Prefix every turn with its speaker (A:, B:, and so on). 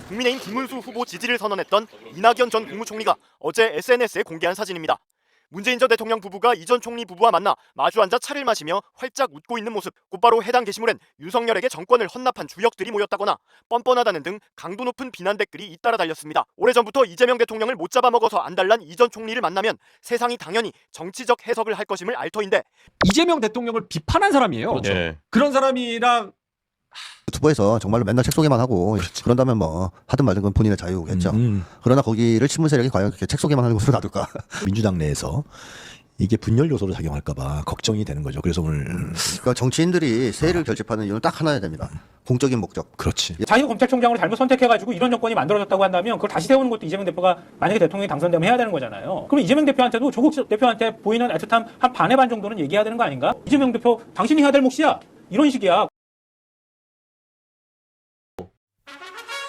A: 국민의힘 김문수 후보 지지를 선언했던 이낙연 전 국무총리가 어제 SNS에 공개한 사진입니다. 문재인 전 대통령 부부가 이 전 총리 부부와 만나 마주 앉아 차를 마시며 활짝 웃고 있는 모습, 곧바로 해당 게시물엔 윤석열에게 정권을 헌납한 주역들이 모였다거나 뻔뻔하다는 등 강도 높은 비난 댓글이 잇따라 달렸습니다. 오래전부터 이재명 대통령을 못 잡아먹어서 안달난 이 전 총리를 만나면 세상이 당연히 정치적 해석을 할 것임을 알 터인데,
B: 이재명 대통령을 비판한 사람이에요.
C: 그렇죠.
D: 예.
B: 그런 사람이랑
C: 유튜버에서 정말로 맨날 책 소개만 하고 그런다면 뭐 하든 말든 건 본인의 자유겠죠. 그러나 거기를 친문 세력이 과연 그렇게 책 소개만 하는 곳으로 놔둘까?
E: 민주당 내에서 이게 분열 요소로 작용할까봐 걱정이 되는 거죠. 그래서 오늘
C: 그러니까 정치인들이 세를 결집하는 이유는 딱 하나여야 됩니다. 공적인 목적.
E: 그렇지.
F: 자기가 검찰총장으로 잘못 선택해가지고 이런 정권이 만들어졌다고 한다면 그걸 다시 세우는 것도 이재명 대표가 만약에 대통령이 당선되면 해야 되는 거잖아요. 그럼 이재명 대표한테도 조국 대표한테 보이는 애틋함 한 반의 반 정도는 얘기해야 되는 거 아닌가? 이재명 대표 당신이 해야 될 몫이야. 이런 식이야.